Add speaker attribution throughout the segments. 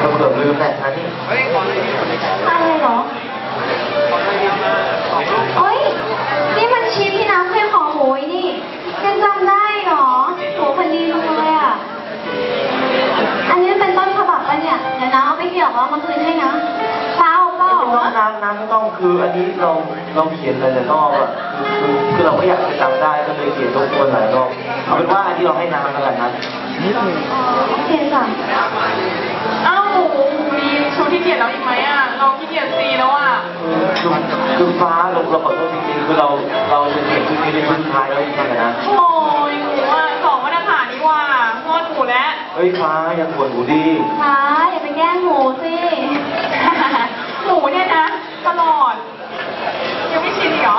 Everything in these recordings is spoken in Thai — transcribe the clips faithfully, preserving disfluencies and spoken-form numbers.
Speaker 1: เกือบลืมแหละท่านนี่
Speaker 2: อะไรเหรอโอ๊ยนี่มันชิปที่น้ำเคยขอโหยนี่ยังจำได้เหรอโหพันดีเลยอ่ะอันนี้เป็นต้นฉบับปะเนี่ยเดี๋ยวนะเอาไปเกี่ยวเอามาคืนให้นะเปล่าเปล่า
Speaker 1: น้ำน้ำไม่ต้องคืออันนี้เราเราเขียนหลายรอบอ่ะคือคือเราก็อยากจะจำได้ก็เลยเขียนทบทวนหลายรอบเอาเป็นว่าอันที่เราให้น้ำแล้วกันนะ
Speaker 2: โอเคจ้ะ
Speaker 3: อ้าวหมูมีชุดที่เขียนแล้วอีกไหมอ่ะเราขี้เกียจซีแล้วอ่ะ
Speaker 1: คือคือฟ้าเราเราขอโทษจริงๆคือเราเราจะเขียนชุดนี้เป็นชุดสุดท้ายแล้วจริงๆนะ
Speaker 3: โอ้ยหมูอ่ะสองมาตรฐานนี่ว่าโทษหมูแล้ว
Speaker 1: เฮ้ยฟ้าอย่าปวดหูดี
Speaker 2: ฟ้าอย่าไปแกล้งหมูสิ
Speaker 3: หมูเนี่ยนะตลอดยังไม่ชินเหรอ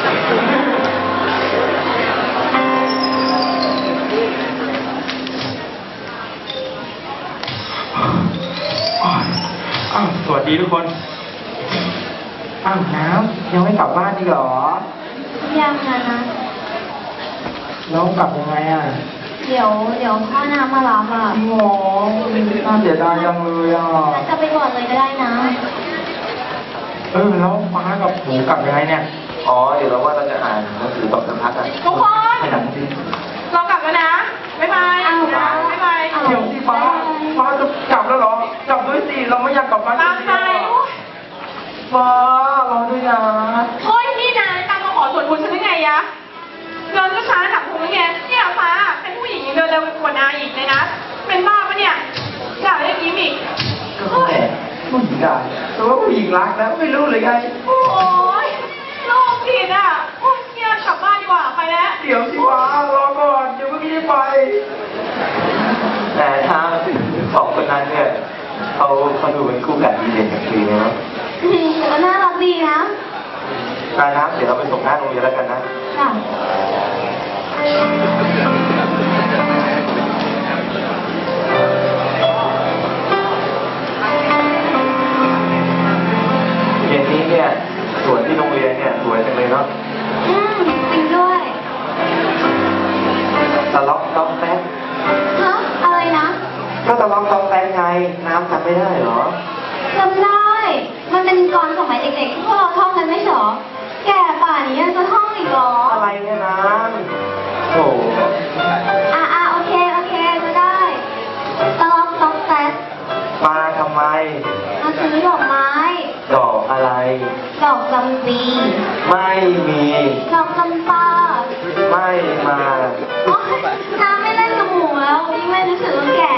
Speaker 4: อ้าวสวัสดีทุกคนอ้าวน้ำยังไม่กลับบ้านอีกเหรอ
Speaker 2: ยังนะนะ
Speaker 4: แล้วกลับยังไงอ่ะ
Speaker 2: เดี๋ยวเดี๋ยวพ่อน้ำมารับอ่ะ
Speaker 4: โอ้น่าเสียดายจังเลยอ่ะ
Speaker 2: จะไปก่อนเลยก็ได้นะ
Speaker 4: เออแล้วฟ้ากับหมูกลับยังไงเนี่ย
Speaker 1: อ๋อเดี๋ยวเราว่าเราจะอ่านหนังสือต่อสักพักอ่ะ
Speaker 3: ทุกคน
Speaker 1: ให้หนังสือ
Speaker 3: เรากลับแล้วนะบ๊ายบายบ๊ายบาย
Speaker 4: เดี๋ยวที่ฟ้าฟ้าจะกลับแล้วเหรอกลับด้วยสิเราไม่อยากกลับบ้าน
Speaker 3: ตามใจ
Speaker 4: ฟ้ารอด้วยนะ
Speaker 3: โอ้ยนี่นะตามมาขอส่วนบุญฉันได้ไงยะเดินก็ช้าหนักพุงไงเนี่ยฟ้าเป็นผู้หญิงเดินเร็วกว่านาอีกเลยนะเป็นบ้าปะเนี่ยอยากเล่นยิ้มอีก
Speaker 4: ก็แหมผู้หญิงได้แต่ว่าผู้หญิงรักนะไม่รู้เลยไง
Speaker 3: โอ้ยโลกผิดอ่ะโอ้ยเนี่ยกลับบ้านดีกว่าไปแล้ว
Speaker 4: เดี๋ยวสิฟ้ารอก่อนเดี๋ยวไม่ได้ไป
Speaker 1: แต่ถ้าสองคนนั้นเนี่ยเขาเขาดูเป็นคู่กันดีเด่นกันดีนะ
Speaker 2: อืมแต่ก็น่ารักดีนะ
Speaker 1: การนับเดี๋ยวเราไปส่งหน้าโรงเรียนแล้วกันนะ
Speaker 2: ค่ะ
Speaker 1: เย็นนี้เนี่ยสวนที่โรงเรียนเนี่ยสวยจังเลยเนาะ
Speaker 2: อืมจริงด้วย
Speaker 1: ตะล็อกต้องแป๊ก
Speaker 2: ฮะอะไรนะ
Speaker 1: ก็ตะล็อกต้องแป๊กไงน้ำจำไม่ได้เหรอ
Speaker 2: จำได้มันเป็นกรสมัยเด็กๆที่พวกเราท่องกันไม่ใช่หรอแก่ป่านนี้ยังจะท่องอีกเหรอ
Speaker 1: อะไรเนี่ยน้ำโถ
Speaker 2: อ่าอ่าโอเคโอเคจะได้ตะล็อกต้องแป๊ก
Speaker 1: มาทำไม
Speaker 2: มาซื้อดอกไม้
Speaker 1: ดอกอะไร
Speaker 2: ดอกจำปี
Speaker 1: ไม่มี
Speaker 2: ดอกจำปา
Speaker 1: ไม่มา
Speaker 2: โอ๊ยน้ำไม่เล่นกับหมูแล้วยิ่งไม่รู้สึกว่าแก่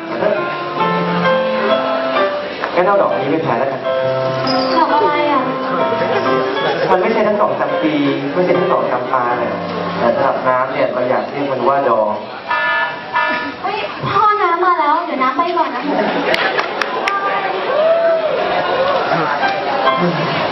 Speaker 1: งั้นเอาดอกนี้ไปแทนแล้วกัน
Speaker 2: ดอกอะไรอ่ะ
Speaker 1: มันไม่ใช่ทั้งดอกจำปีไม่ใช่ทั้งดอกจำปาเนี่ยแต่สำหรับน้ำเนี่ยเราอยากเรียกมันว่าดอก
Speaker 2: เฮ้ยพ่อน้ำมาแล้วเดี๋ยวน้ำไปก่อนนะหมู